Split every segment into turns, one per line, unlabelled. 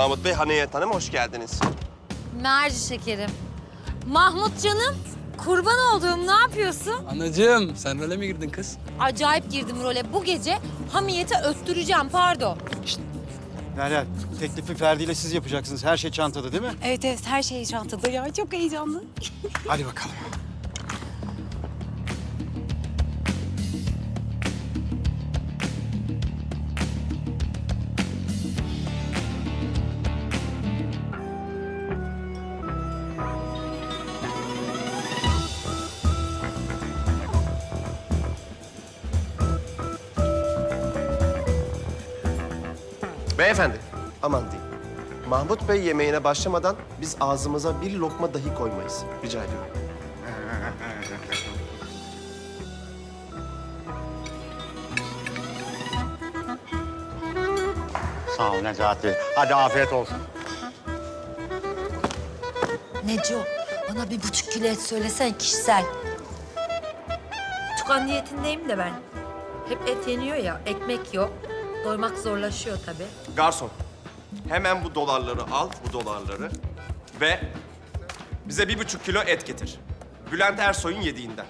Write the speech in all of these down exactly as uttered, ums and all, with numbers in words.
Mahmut Bey, Haniyet Hanım hoş geldiniz.
Merci şekerim. Mahmut canım, kurban olduğum ne yapıyorsun?
Anacığım, sen role mi girdin kız?
Acayip girdim role. Bu gece hamiyete öttüreceğim, pardon.
Derya, teklifi Ferdi ile siz yapacaksınız. Her şey çantada değil mi?
Evet evet her şey çantada ya. Çok heyecanlı.
Hadi bakalım.
Beyefendi, aman diyeyim. Mahmut Bey yemeğine başlamadan biz ağzımıza bir lokma dahi koymayız. Rica ediyorum.
Sağ ol Necati. Hadi afiyet olsun.
Neco, bana bir buçuk kilo et söylesen kişisel. Tukan diyetindeyim de ben. Hep et yeniyor ya, ekmek yok. Doymak zorlaşıyor tabii.
Garson, hemen bu dolarları al, bu dolarları ve bize bir buçuk kilo et getir. Bülent Ersoy'un yediğinden.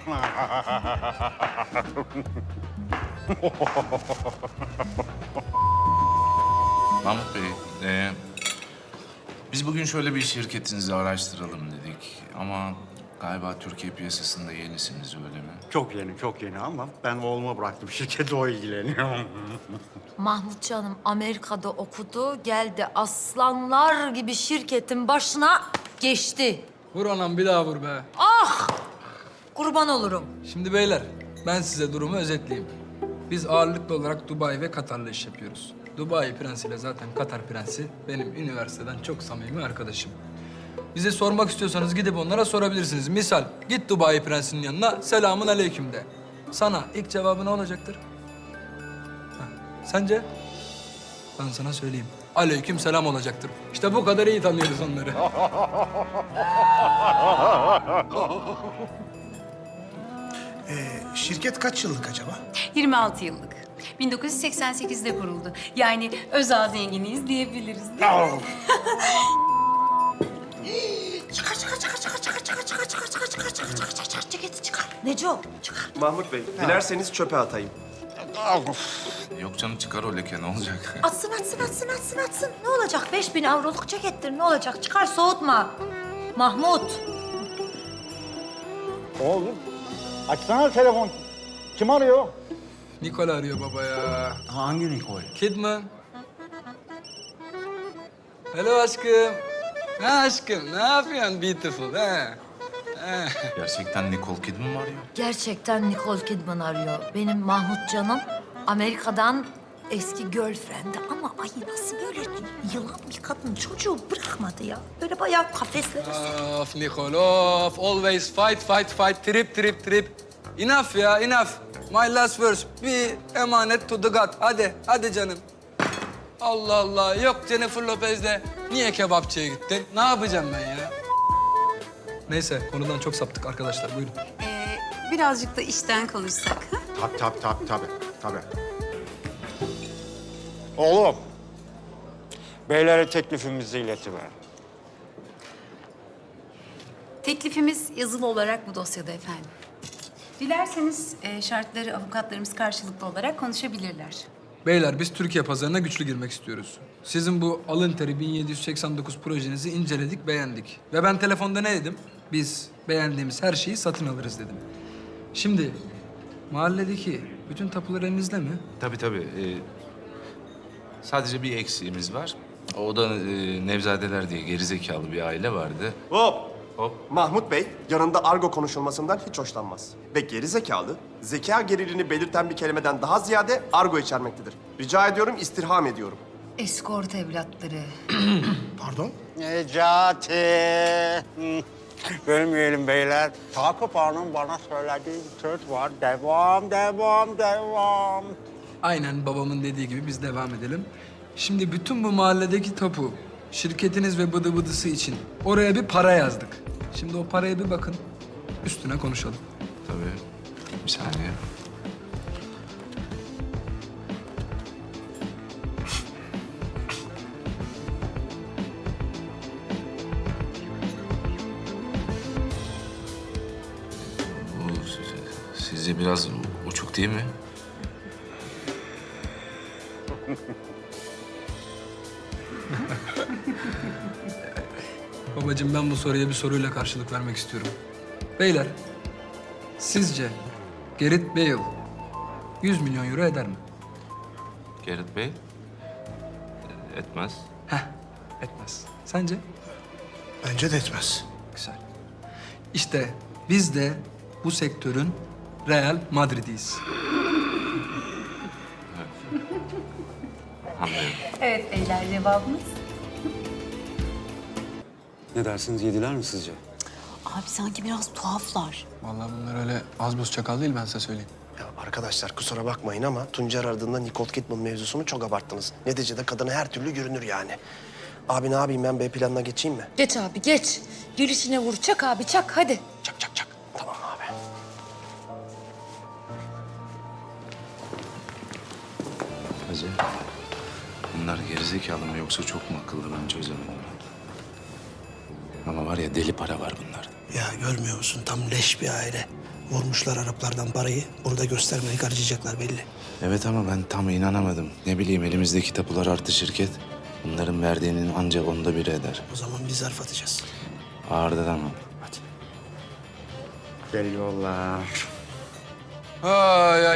Mahmut Bey, e, biz bugün şöyle bir şirketinizi araştıralım dedik. Ama galiba Türkiye piyasasında yenisiniz, öyle mi?
Çok yeni, çok yeni ama ben oğluma bıraktım. Şirkette o ilgileniyor.
Mahmut canım Amerika'da okudu, geldi aslanlar gibi şirketin başına geçti.
Vur anam, bir daha vur be.
Kurban olurum.
Şimdi beyler, ben size durumu özetleyeyim. Biz ağırlıklı olarak Dubai ve Katar'la iş yapıyoruz. Dubai prensiyle zaten Katar prensi benim üniversiteden çok samimi arkadaşım. Bize sormak istiyorsanız gidip onlara sorabilirsiniz. Misal, git Dubai prensinin yanına, selamun aleyküm de. Sana ilk cevabı ne olacaktır? Ha, sence? Ben sana söyleyeyim. Aleyküm selam olacaktır. İşte bu kadar iyi tanıyoruz onları.
Şirket kaç yıllık acaba?
yirmi altı yıllık. bin dokuz yüz seksen sekizde kuruldu. Yani özel zenginiyiz diyebiliriz değil mi?
Çıkar, çıkar, çıkar, çıkar, çıkar, çıkar, çıkar, çıkar, çıkar, çıkar, çıkar, çıkar, çıkar, çıkar, ceketi çıkar. Neco, çıkar.
Mahmut Bey, dilerseniz çöpe atayım.
Yok canım, çıkar o leke, ne olacak?
Atsın, atsın, atsın, atsın, atsın. Ne olacak? Beş bin avroluk cekettir, ne olacak? Çıkar, soğutma. Mahmut.
Oğlum, açsana telefon. Kim arıyor?
Nikol arıyor baba ya.
Hangi Nikol?
Kidman. Hello aşkım. Ne aşkım? Ne yapıyorsun beautiful? He? He.
Gerçekten Nicole Kidman mı arıyor?
Gerçekten Nicole Kidman arıyor. Benim Mahmut canım Amerika'dan eski girlfriend'i ama ay nasıl böyle yılan bir kadın çocuğu bırakmadı ya. Böyle bayağı kafeslere
Of Nicole, of. Always fight, fight, fight. Trip, trip, trip. Enough ya, enough. My last verse. Bir emanet to the God. Hadi, hadi canım. Allah Allah. Yok Jennifer Lopez'le niye kebapçıya gittin? Ne yapacağım ben ya? Neyse, konudan çok saptık arkadaşlar. Buyurun.
Ee, birazcık da işten konuşsak. Ha?
Tabii, tabii, tabii, tabii, tabii. Oğlum, beylere teklifimizi iletiver.
Teklifimiz yazılı olarak bu dosyada efendim. Dilerseniz e, şartları avukatlarımız karşılıklı olarak konuşabilirler.
Beyler biz Türkiye pazarına güçlü girmek istiyoruz. Sizin bu alın teri bin yedi yüz seksen dokuz projenizi inceledik, beğendik. Ve ben telefonda ne dedim? Biz beğendiğimiz her şeyi satın alırız dedim. Şimdi mahalledeki bütün tapular elinizde mi?
Tabii tabii. e, sadece bir eksiğimiz var. O da e, Nevzadeler diye gerizekalı bir aile vardı.
Hop!
Hop.
Mahmut Bey yanında argo konuşulmasından hiç hoşlanmaz. Ve geri zekalı, zeka geriliğini belirten bir kelimeden daha ziyade argo içermektedir. Rica ediyorum, istirham ediyorum.
eskort evlatları.
Pardon?
Necati. Hı. Bölmeyelim beyler. Takip Hanım bana söylediği bir söz var. Devam, devam, devam.
Aynen babamın dediği gibi biz devam edelim. Şimdi bütün bu mahalledeki tapu, şirketiniz ve bıdı bıdısı için oraya bir para yazdık. Şimdi o paraya bir bakın, üstüne konuşalım.
Tabii. Bir saniye. Sizce biraz uçuk değil mi?
Babacığım ben bu soruya bir soruyla karşılık vermek istiyorum. Beyler, sizce Gareth Bale yüz milyon euro eder mi?
Gareth Bey? Etmez.
Heh, etmez. Sence?
Bence de etmez.
Güzel. İşte biz de bu sektörün Real Madrid'iyiz.
Anlıyorum.
Evet beyler, cevabımız.
Ne dersiniz, yediler mi sizce?
Abi sanki biraz tuhaflar.
Vallahi bunlar öyle az buz çakal değil, ben size söyleyeyim.
Ya arkadaşlar kusura bakmayın ama Tuncer aradığında Nicole Kidman mevzusunu çok abarttınız. Neticede kadına her türlü görünür yani. Abi ne yapayım ben B planına geçeyim mi?
Geç abi geç. Girişine vur. Çak abi çak hadi.
Çak çak çak. Tamam abi.
Hacı, bunlar gerizekalı mı yoksa çok mu akıllı, ben çözemedim. Ama var ya, deli para var bunlarda.
Ya görmüyor musun? Tam leş bir aile. Vurmuşlar Araplardan parayı. Bunu da göstermeyi harcayacaklar belli.
Evet ama ben tam inanamadım. Ne bileyim, elimizdeki tapular artı şirket. Bunların verdiğinin ancak onda biri eder.
O zaman biz zarf atacağız.
Ağırda tamam.
Hadi.
Geliyorlar.
Ay ay.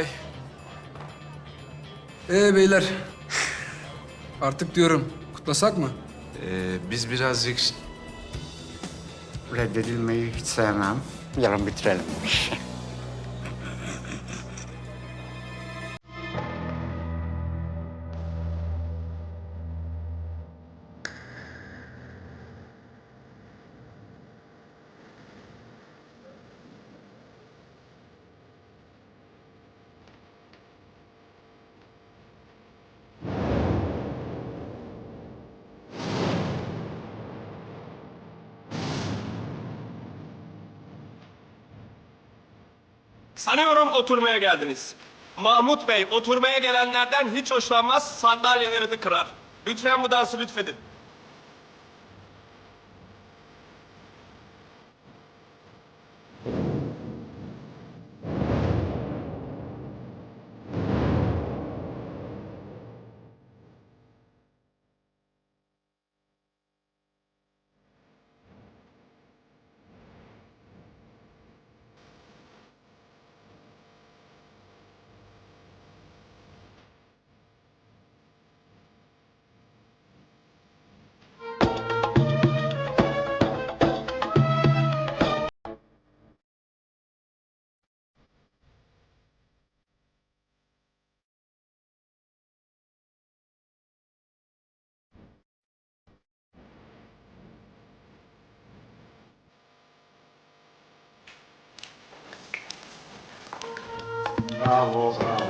Ee beyler, artık diyorum kutlasak mı?
Ee, biz birazcık...
Reddedilmeyi hiç sevmem. Yarın bitirelim bu işi.
Sanıyorum oturmaya geldiniz. Mahmut Bey oturmaya gelenlerden hiç hoşlanmaz, sandalyelerini kırar. Lütfen bu dansı lütfedin.
Bravo, bravo.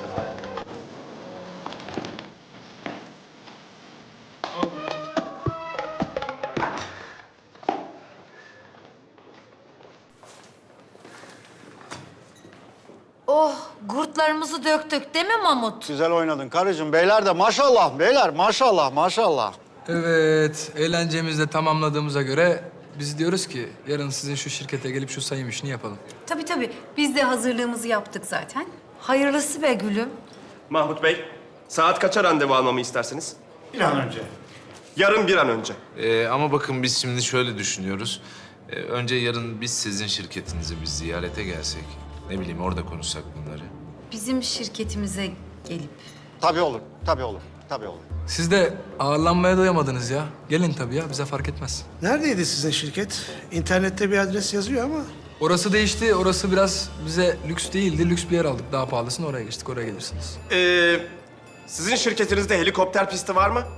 Oh gurtlarımızı döktük değil mi Mahmut?
Güzel oynadın karıcığım. Beyler de maşallah, beyler maşallah, maşallah.
Evet, eğlencemizi de tamamladığımıza göre biz diyoruz ki yarın sizin şu şirkete gelip şu sayım işini yapalım.
Tabii tabii, biz de hazırlığımızı yaptık zaten.
Hayırlısı be gülüm.
Mahmut Bey, saat kaça randevu almamı istersiniz?
Bir an önce.
Yarın bir an önce.
Ee, ama bakın biz şimdi şöyle düşünüyoruz. Ee, önce yarın biz sizin şirketinize bir ziyarete gelsek. Ne bileyim, orada konuşsak bunları.
Bizim şirketimize gelip.
Tabii olur, tabii olur, tabii olur.
Siz de ağırlanmaya doyamadınız ya. Gelin tabii ya, bize fark etmez.
Neredeydi sizin şirket? İnternette bir adres yazıyor ama.
Orası değişti, orası biraz bize lüks değildi. Lüks bir yer aldık, daha pahalısını oraya geçtik, oraya gelirsiniz.
Ee, sizin şirketinizde helikopter pisti var mı?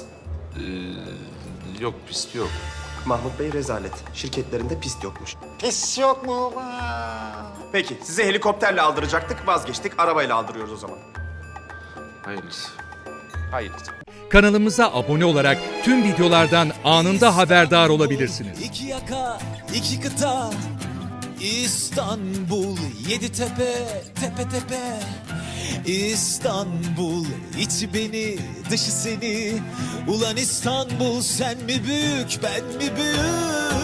Ee, yok, pist yok.
Mahmut Bey rezalet. Şirketlerinde pist yokmuş.
Pis yok mu?
Peki, size helikopterle aldıracaktık, vazgeçtik. Arabayla aldırıyoruz o zaman.
Hayırlısı.
Hayır.
Kanalımıza abone olarak tüm videolardan anında haberdar olabilirsiniz.
İki yaka, iki kıta, İstanbul, yedi tepe, tepe tepe. İstanbul, içi beni, dışı seni. Ulan İstanbul, sen mi büyük, ben mi büyük?